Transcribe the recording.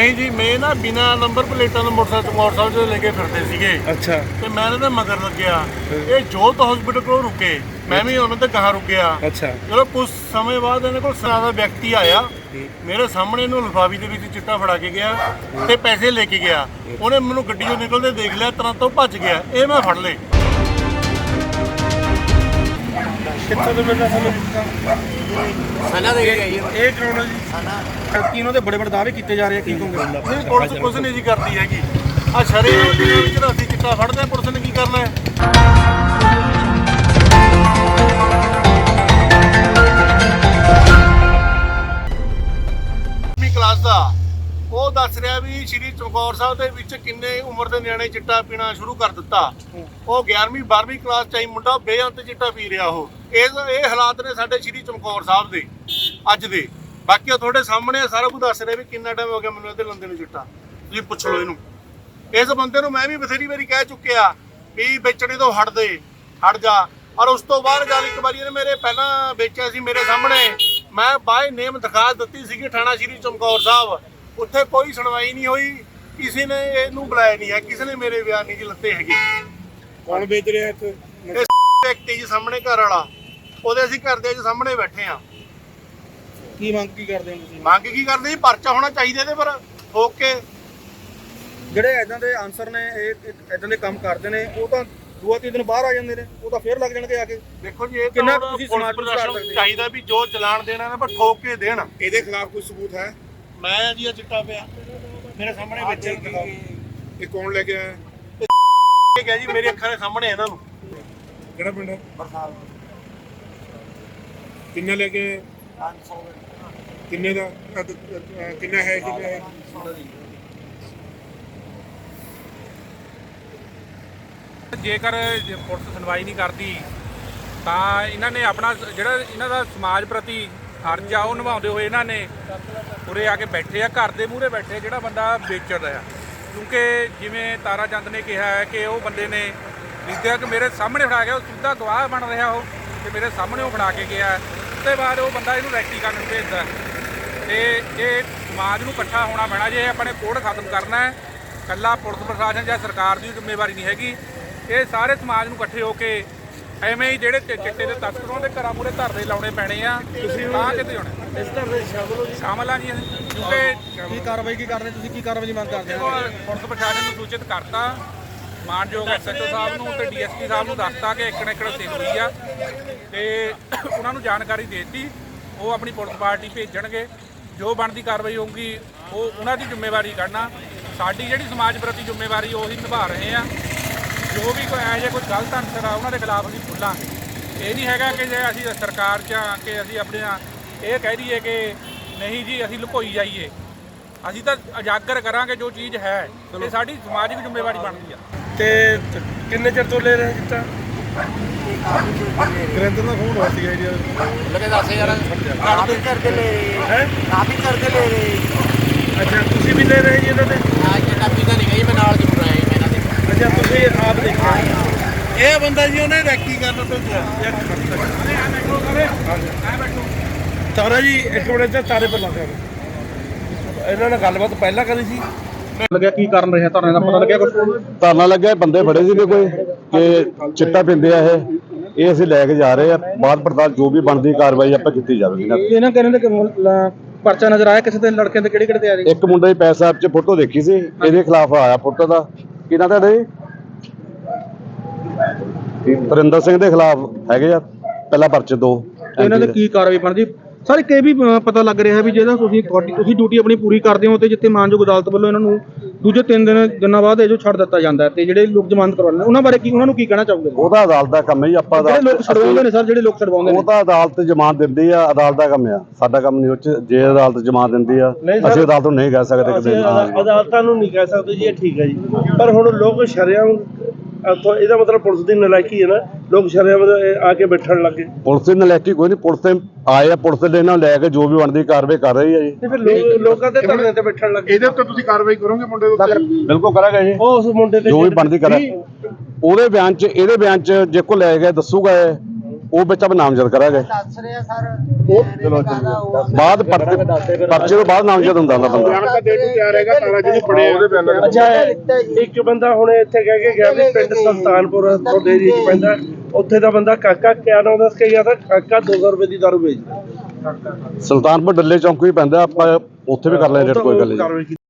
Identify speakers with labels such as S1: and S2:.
S1: नहीं जी, मैं ना बिना नंबर प्लेटा मोटरसाइकिल लेके फिरते सीगे।
S2: अच्छा
S1: ਤੇ ਮੈਂ ਇਹਨਾਂ ਦੇ ਮਗਰ ਲੱਗਿਆ। ਇਹ ਜੋਤ ਹਸਪੀਟਲ ਕੋਲ ਰੁਕੇ, ਮੈਂ ਵੀ ਉਹਨਾਂ ਦੇ ਗਾਹਾਂ ਰੁਕਿਆ।
S2: ਅੱਛਾ
S1: ਚਲੋ ਕੁਝ ਸਮੇਂ ਬਾਅਦ ਇਹਨਾਂ ਕੋਲ ਸਰਾਦਾ ਵਿਅਕਤੀ ਆਇਆ, ਮੇਰੇ ਸਾਹਮਣੇ ਇਹਨੂੰ ਲਿਫਾਫੀ ਦੇ ਵਿੱਚ ਚਿੱਟਾ ਫੜਾ ਕੇ ਗਿਆ ਤੇ ਪੈਸੇ ਲੈ ਕੇ ਗਿਆ। ਉਹਨੇ ਮੈਨੂੰ ਗੱਡੀ 'ਚੋਂ ਨਿਕਲਦੇ ਦੇਖ ਲਿਆ, ਤੁਰੰਤ ਉਹ ਭੱਜ ਗਿਆ। ਇਹ ਮੈਂ ਫੜ ਲਏ।
S2: ਕਿੱਥੋਂ ਦੇ ਬੇਟਾ ਸਾਨੂੰ
S3: ਸਨਾ ਦੇ ਗਈ
S2: ਇਹ ਕੌਣ ਹੈ ਜੀ ਸਨਾ ਕੀ ਉਹਨਾਂ ਦੇ ਬੜੇ ਬੜੇ ਦਾਅਵੇ ਕੀਤੇ ਜਾ ਰਹੇ ਆ ਕੀ ਕਹੋਗੇ
S1: ਨਹੀਂ, ਪੁਲਿਸ ਕੁਝ ਨਹੀਂ ਜੀ ਕਰਦੀ ਹੈਗੀ। ਆ ਸ਼ਰੇਆਮ ਦੇ ਵਿੱਚ ਅਸੀਂ ਚਿੱਟਾ ਫੜਦੇ ਹਾਂ, ਪੁਲਿਸ ਨੇ ਕੀ ਕਰਨਾ ਹੈ? ਕਲਾਸ ਦਾ ਉਹ ਦੱਸ ਰਿਹਾ ਵੀ ਸ਼੍ਰੀ ਚਮਕੌਰ ਸਾਹਿਬ ਦੇ ਵਿੱਚ ਕਿੰਨੇ ਉਮਰ ਦੇ ਨਿਆਣੇ ਚਿੱਟਾ ਪੀਣਾ ਸ਼ੁਰੂ ਕਰ ਦਿੱਤਾ। ਉਹ 11ਵੀਂ 12ਵੀਂ ਕਲਾਸ ਚ ਹੀ ਮੁੰਡਾ ਬੇਅੰਤ ਚਿੱਟਾ ਪੀ ਰਿਹਾ। ਉਹ ਇਹ ਹਾਲਾਤ ਨੇ ਸਾਡੇ ਸ਼੍ਰੀ ਚਮਕੌਰ ਸਾਹਿਬ ਦੇ ਅੱਜ ਦੇ। ਬਾਕੀ ਉਹ ਤੁਹਾਡੇ ਸਾਹਮਣੇ ਸਾਰਾ ਕੁਝ ਦੱਸ ਰਿਹਾ ਵੀ ਕਿੰਨਾ ਟਾਈਮ ਹੋ ਗਿਆ ਮੈਨੂੰ ਇਹਦੇ ਲੰਦੇ ਨੂੰ ਚਿੱਟਾ। ਤੁਸੀਂ ਪੁੱਛ ਲਓ ਇਹਨੂੰ। ਇਸ ਬੰਦੇ ਨੂੰ ਮੈਂ ਵੀ ਬਥੇਰੀ ਵਾਰੀ ਕਹਿ ਚੁੱਕਿਆ ਵੀ ਵੇਚਣੇ ਤੋਂ ਹਟ ਜਾ। ਔਰ ਉਸ ਤੋਂ ਬਾਅਦ ਗੱਲ ਇੱਕ ਵਾਰੀ ਇਹਨੇ ਮੇਰੇ ਪਹਿਲਾਂ ਵੇਚਿਆ ਸੀ ਮੇਰੇ ਸਾਹਮਣੇ। ਮੈਂ ਬਾਏ ਨੇਮ ਦਰਖਾਸਤ ਦਿੱਤੀ ਸੀਗੀ ਥਾਣਾ ਸ਼੍ਰੀ ਚਮਕੌਰ ਸਾਹਿਬ। ਉੱਥੇ ਕੋਈ ਸੁਣਵਾਈ ਨਹੀਂ ਹੋਈ, ਕਿਸੇ ਨੇ ਇਹਨੂੰ ਬੁਲਾਇਆ ਨਹੀਂ ਹੈ, ਕਿਸੇ ਨੇ ਮੇਰੇ ਬਿਆਨ ਨਹੀਂ ਜੀ ਲੱਤੇ ਹੈਗੇ।
S2: ਕੌਣ ਵੇਚ ਰਿਹਾ ਇੱਥੇ
S1: ਵਿਅਕਤੀ ਜੀ ਸਾਹਮਣੇ ਘਰ ਵਾਲਾ, ਉਹਦੇ ਅਸੀਂ ਘਰ ਦੇ ਸਾਹਮਣੇ ਬੈਠੇ ਆ।
S2: ਕੀ ਮੰਗ ਕੀ ਕਰਦੇ ਹੋ ਤੁਸੀਂ
S1: ਮੰਗ ਕੀ ਕਰਦੇ ਜੀ? ਪਰਚਾ ਹੋਣਾ ਚਾਹੀਦਾ ਇਹਦੇ ਪਰ ਠੋਕ ਕੇ।
S2: ਜਿਹੜੇ ਇਦਾਂ ਦੇ ਆਨਸਰ ਨੇ ਇਹ ਇਦਾਂ ਦੇ ਕੰਮ ਕਰਦੇ ਨੇ ਉਹ ਤਾਂ 2-3 ਦਿਨ ਬਾਹਰ ਆ ਜਾਂਦੇ ਨੇ, ਉਹ ਤਾਂ ਫੇਰ ਲੱਗ ਜਾਣਗੇ ਆ ਕੇ।
S1: ਦੇਖੋ ਜੀ ਇਹ
S2: ਕਿੰਨਾ
S1: ਤਾਂ
S2: ਤੁਸੀਂ
S1: ਪੁਲਿਸ
S2: ਸਮਾਜ ਨੂੰ
S1: ਪ੍ਰਸ਼ਾਸਨ
S2: ਸੁਧਾਰ
S1: ਚਾਹੀਦਾ ਵੀ ਜੋ ਚਲਾਨ ਦੇਣਾ ਨਾ ਪਰ ਠੋਕ ਕੇ ਦੇਣ।
S2: ਇਹਦੇ ਖਿਲਾਫ ਕੋਈ ਸਬੂਤ ਹੈ?
S1: ਮੈਂ ਜੀ ਆ ਚਿੱਟਾ ਪਿਆ ਮੇਰੇ ਸਾਹਮਣੇ ਬੱਚੇ
S2: ਇਹ ਕੌਣ ਲੈ ਕੇ ਆਇਆ?
S1: ਇਹ ਗਿਆ ਜੀ ਮੇਰੀ ਅੱਖਾਂ ਦੇ ਸਾਹਮਣੇ ਇਹਨਾਂ ਨੂੰ।
S2: ਕਿਹੜਾ ਪਿੰਡ ਹੈ? ਕਿੰਨੇ ਲੈ ਕੇ
S1: 500
S2: ਕਿੰਨੇ ਦਾ ਕਿੰਨਾ ਹੈ
S4: ਜੇਕਰ ਪੁਲਿਸ ਸੁਣਵਾਈ ਨਹੀਂ ਕਰਦੀ ਤਾਂ ਇਹਨਾਂ ਨੇ ਆਪਣਾ ਜਿਹੜਾ ਇਹਨਾਂ ਦਾ ਸਮਾਜ ਪ੍ਰਤੀ ਫਰਜ਼ ਆ ਉਹ ਨਿਭਾਉਂਦੇ ਹੋਏ ਇਹਨਾਂ ਨੇ ਉਰੇ ਆ ਕੇ ਬੈਠੇ ਆ, ਘਰ ਦੇ ਮੂਹਰੇ ਬੈਠੇ ਜਿਹੜਾ ਬੰਦਾ ਵੇਚ ਰਿਹਾ। ਕਿਉਂਕਿ ਜਿਵੇਂ ਤਾਰਾ ਚੰਦ ਨੇ ਕਿਹਾ ਹੈ ਕਿ ਉਹ ਬੰਦੇ ਨੇ ਜਿੱਦਾਂ ਕਿ ਮੇਰੇ ਸਾਹਮਣੇ ਫੜਾ ਗਿਆ, ਉਹ ਸਿੱਧਾ ਗਵਾਹ ਬਣ ਰਿਹਾ ਉਹ ਤੇ ਮੇਰੇ ਸਾਹਮਣੇ ਉਹ ਫੜਾ ਕੇ ਗਿਆ। ਉਸ ਤੋਂ ਬਾਅਦ ਉਹ ਬੰਦਾ ਇਹਨੂੰ ਰੈਕੀ ਕਰਨ ਨੂੰ ਭੇਜਦਾ ਤੇ ਇਹ ਸਮਾਜ ਨੂੰ ਇਕੱਠਾ ਹੋਣਾ ਪੈਣਾ ਜੇ ਆਪਣੇ ਕੋਡ ਖਤਮ ਕਰਨਾ ਹੈ। ਇਕੱਲਾ ਪੁਲਿਸ ਪ੍ਰਸ਼ਾਸਨ ਜਾਂ ਸਰਕਾਰ ਦੀ ਜ਼ਿੰਮੇਵਾਰੀ ਨਹੀਂ ਹੈਗੀ, ਇਹ ਸਾਰੇ ਸਮਾਜ ਨੂੰ ਇਕੱਠੇ ਹੋ ਕੇ ਐਵੇਂ ਹੀ ਜਿਹੜੇ ਚਿੱਟੇ ਦੇ ਤਸਕਰਾਂ ਦੇ ਘਰਾਂ ਮੂਹਰੇ ਧਰਨੇ ਲਾਉਣੇ ਪੈਣੇ ਆ। ਤੁਸੀਂ ਤਾਂ ਕਿਤੇ ਹੋਣਾ
S2: ਇਸ ਧਰਨੇ
S4: ਸ਼ਾਮਲ ਆ ਜੀ ਅਸੀਂ, ਕਿਉਂਕਿ
S2: ਕੀ ਕਾਰਵਾਈ ਕੀ ਕਰਦੇ ਤੁਸੀਂ? ਕੀ ਕਾਰਵਾਈ ਦੀ ਮੰਗ ਕਰਦੇ ਹੋ?
S4: ਪੁਲਿਸ ਪ੍ਰਸ਼ਾਸਨ ਨੂੰ ਸੂਚਿਤ ਕਰਤਾ, ਮਾਨਯੋਗ ਐਸਐਚਓ ਸਾਹਿਬ ਨੂੰ ਤੇ ਡੀਐਸਪੀ ਸਾਹਿਬ ਨੂੰ ਦੱਸਤਾ ਕਿ ਇੱਕ ਸੇਲ ਹੋਈ ਆ ਤੇ ਉਹਨਾਂ ਨੂੰ ਜਾਣਕਾਰੀ ਦੇ ਦਿੱਤੀ। ਉਹ ਆਪਣੀ ਪੁਲਿਸ ਪਾਰਟੀ ਭੇਜਣਗੇ, ਜੋ ਬਣਦੀ ਕਾਰਵਾਈ ਹੋਊਗੀ ਉਹ ਉਹਨਾਂ ਦੀ ਜ਼ਿੰਮੇਵਾਰੀ ਕਰਨਾ। ਸਾਡੀ ਜਿਹੜੀ ਸਮਾਜ ਪ੍ਰਤੀ ਜ਼ਿੰਮੇਵਾਰੀ ਉਹੀ ਨਿਭਾ ਰਹੇ ਆ। ਜੋ ਵੀ ਕੋਈ ਇਹੋ ਜਿਹਾ ਕੋਈ ਗਲਤ ਅਨਸਰ ਆ ਉਹਨਾਂ ਦੇ ਖਿਲਾਫ ਅਸੀਂ ਖੁੱਲਾਂਗੇ। ਇਹ ਨਹੀਂ ਹੈਗਾ ਕਿ ਜੇ ਅਸੀਂ ਸਰਕਾਰ 'ਚ ਆ ਕੇ ਅਸੀਂ ਆਪਣੀਆਂ ਇਹ ਕਹਿ ਦਈਏ ਕਿ ਨਹੀਂ ਜੀ ਅਸੀਂ ਲੁਕੋਈ ਜਾਈਏ। ਅਸੀਂ ਤਾਂ ਉਜਾਗਰ ਕਰਾਂਗੇ ਜੋ ਚੀਜ਼ ਹੈ, ਇਹ ਸਾਡੀ ਸਮਾਜਿਕ ਜ਼ਿੰਮੇਵਾਰੀ ਬਣਦੀ ਆ।
S2: ਤੇ ਕਿੰਨੇ ਚਿਰ ਤੋਂ ਲੈ ਰਹੇ ਜਿੱਤਾ ਗ੍ਰੰਥ ਦਾ ਫੋਨ ਹੋਇਆ ਸੀਗਾ ਜੀ
S3: ਲਗੇ 10000 ਕਾਫੀ ਕਰਕੇ ਲੈ
S2: ਹੈ
S3: ਕਾਫੀ ਕਰਕੇ ਲੈ ਰਹੇ।
S2: ਅੱਛਾ ਤੁਸੀਂ ਵੀ ਲੈ ਰਹੇ ਜੀ ਇਹਨਾਂ ਦੇ?
S3: ਆ ਜਿਹੜਾ ਪੀਦਾ ਨਹੀਂ ਗਈ ਮੈਂ ਨਾਲ ਜ਼ਰੂਰ ਆਇਆ ਜੀ ਇਹਨਾਂ ਦੇ।
S2: ਅੱਛਾ ਤੁਸੀਂ ਆਪ ਦੇਖਿਆ
S1: ਇਹ ਬੰਦਾ ਜੀ ਉਹਨੇ ਰੈਕੀ ਕਰਨ ਭੇਜਿਆ।
S2: ਤਾਰਾ ਜੀ ਇੱਕ ਮਿੰਟ ਤੇ ਤਾਰੇ ਪਰ ਲੱਗ ਇਹਨਾਂ ਨਾਲ ਗੱਲਬਾਤ ਪਹਿਲਾਂ ਕਰੀ ਸੀ। ਲੱਗਿਆ ਕੀ ਕਾਰਨ ਰਿਹਾ ਧਰਨੇ ਦਾ ਪਤਾ ਲੱਗਿਆ ਕੁਝ?
S5: ਧਰਨਾ ਲੱਗਿਆ, ਬੰਦੇ ਫੜੇ ਸੀਗੇ ਕੋਈ ਕਿ ਚਿੱਟਾ ਪੀਂਦੇ ਆ ਇਹ ਅਸੀਂ ਲੈ ਕੇ ਜਾ ਰਹੇ ਆ। ਬਾਅਦ ਪੜਤਾਲ ਜੋ ਵੀ ਬਣਦੀ ਕਾਰਵਾਈ ਆਪਾਂ ਕੀਤੀ ਜਾਵੇਗੀ।
S2: ਇਹਨਾਂ ਕਹਿੰਦੇ ਕਿ ਪਰਚਾ ਨਜ਼ਰ ਆਇਆ ਕਿਸੇ ਦੇ ਲੜਕੇ ਦੇ ਕਿਹੜੇ ਤੇ ਆ ਰਹੀ?
S5: ਇੱਕ ਮੁੰਡੇ ਦੀ ਪੈਸ ਸਾਹਿਬ 'ਚ ਫੋਟੋ ਦੇਖੀ ਸੀ, ਇਹਦੇ ਖਿਲਾਫ ਆਇਆ ਫੋਟੋ ਦਾ। ਕਿਹਨਾਂ ਦਾ ਜੀ? ਵਰਿੰਦਰ ਸਿੰਘ ਦੇ ਖਿਲਾਫ ਹੈਗੇ ਆ ਪਹਿਲਾ ਪਰਚੇ 2।
S2: ਇਹਨਾਂ ਦੇ ਕੀ ਕਾਰਵਾਈ ਬਣਦੀ? ਸਰ ਇੱਕ ਇਹ ਵੀ ਪਤਾ ਲੱਗ ਰਿਹਾ ਵੀ ਜਿਹੜਾ ਤੁਸੀਂ ਡਿਊਟੀ ਆਪਣੀ ਪੂਰੀ ਕਰਦੇ ਹੋ ਤੇ ਜਿੱਥੇ ਮਾਨਯੋਗ ਅਦਾਲਤ ਵੱਲੋਂ ਇਹਨਾਂ ਨੂੰ ਦੂਜੇ 3 ਦਿਨਾਂ ਬਾਅਦ ਇਹ ਜੋ ਛੱਡ ਦਿੱਤਾ ਜਾਂਦਾ ਤੇ ਜਿਹੜੇ ਲੋਕ ਜ਼ਮਾਨਤ ਕਰਵਾ ਲੈਂਦੇ ਉਹਨਾਂ ਬਾਰੇ ਕੀ ਉਹਨਾਂ ਨੂੰ ਕੀ ਕਹਿਣਾ ਚਾਹੋਗੇ?
S5: ਉਹਦਾ ਅਦਾਲਤ ਦਾ ਕੰਮ ਹੈ ਜੀ। ਆਪਾਂ
S2: ਜਿਹੜੇ ਲੋਕ ਛਡਵਾਉਂਦੇ ਨੇ ਸਰ, ਜਿਹੜੇ ਲੋਕ ਛਡਵਾਉਂਦੇ ਨੇ
S5: ਉਹ ਤਾਂ ਅਦਾਲਤ ਜ਼ਮਾਨਤ ਦਿੰਦੀ ਆ, ਅਦਾਲਤ ਦਾ ਕੰਮ ਆ, ਸਾਡਾ ਕੰਮ ਨਹੀਂ। ਉਹ 'ਚ ਜੇ ਅਦਾਲਤ ਜ਼ਮਾਨਤ ਦਿੰਦੀ ਆ ਅਸੀਂ ਅਦਾਲਤ ਨੂੰ ਨਹੀਂ ਕਹਿ ਸਕਦੇ ਕਿ
S6: ਅਦਾਲਤਾਂ ਨੂੰ ਨਹੀਂ ਕਹਿ ਸਕਦੇ ਜੀ ਇਹ ਠੀਕ ਹੈ ਜੀ, ਪਰ ਹੁਣ ਲੋਕ ਸ਼ਰੇਆਮ ਇਹਦਾ ਮਤਲਬ ਪੁਲਿਸ ਦੀ ਨਲਾਇਕੀ ਹੈ ਨਾ, ਲੋਕ ਸ਼ਰੇਆਮ ਆ ਕੇ ਬੈਠਣ ਲੱਗੇ।
S5: ਪੁਲਿਸ ਦੀ ਨਲਾਇਕੀ ਕੋਈ ਨਹੀਂ, ਪੁਲਿਸ ਤੇ ਆਏ ਆ, ਪੁਲਿਸ ਦੇ ਨਾਲ ਲੈ ਕੇ ਜੋ ਵੀ ਬਣਦੀ ਕਾਰਵਾਈ ਕਰ ਰਹੀ ਹੈ ਜੀ।
S6: ਤੇ ਫਿਰ ਲੋਕਾਂ ਦੇ ਧਰਨੇ ਤੇ ਬੈਠਣ ਲੱਗੇ।
S2: ਇਹਦੇ ਉੱਤੇ ਤੁਸੀਂ ਕਾਰਵਾਈ ਕਰੋਗੇ ਮੁੰਡੇ ਦੇ ਉੱਤੇ?
S5: ਬਿਲਕੁਲ ਕਰਾਂਗੇ ਜੀ,
S6: ਉਹ ਉਸ ਮੁੰਡੇ ਤੇ
S5: ਜੋ ਵੀ ਬਣਦੀ ਕਰਾਂ। ਉਹਦੇ ਬਿਆਨ 'ਚ ਇਹਦੇ ਬਿਆਨ 'ਚ ਜੇ ਕੋ ਲੈ ਗਿਆ ਦੱਸੂਗਾ ਉਹ ਵਿੱਚ ਆਪਾਂ ਨਾਮਜ਼ਦ ਕਰਾਂਗੇ
S3: ਦੱਸ ਰਿਹਾ ਸਰ
S5: ਬਾਅਦ ਪਰਚੇ ਤੋਂ ਬਾਅਦ ਨਾਮਜ਼ਦ ਹੁੰਦਾ ਬੰਦਾ
S6: ਅੱਛਾ ਇੱਕ ਬੰਦਾ ਹੁਣ ਇੱਥੇ ਕਹਿ ਕੇ ਗਿਆ ਵੀ ਪਿੰਡ ਸੁਲਤਾਨਪੁਰ ਤੁਹਾਡੇ ਏਰੀਏ 'ਚ ਪੈਂਦਾ, ਉੱਥੇ ਦਾ ਬੰਦਾ ਕਾਕਾ ਕਿਆ ਨਾਮ ਦੱਸ ਕੇ ਗਿਆ ਤਾਂ ਕਾਕਾ 200 ਰੁਪਏ ਦੀ ਦਾਰੂ ਵੇਚਦਾ।
S5: ਸੁਲਤਾਨਪੁਰ ਡੱਲੇ ਚੌਂਕ ਵੀ ਪੈਂਦਾ, ਆਪਾਂ ਉੱਥੇ ਵੀ ਕਰ ਲਿਆ ਰੇਟ, ਕੋਈ ਗੱਲ ਨਹੀਂ।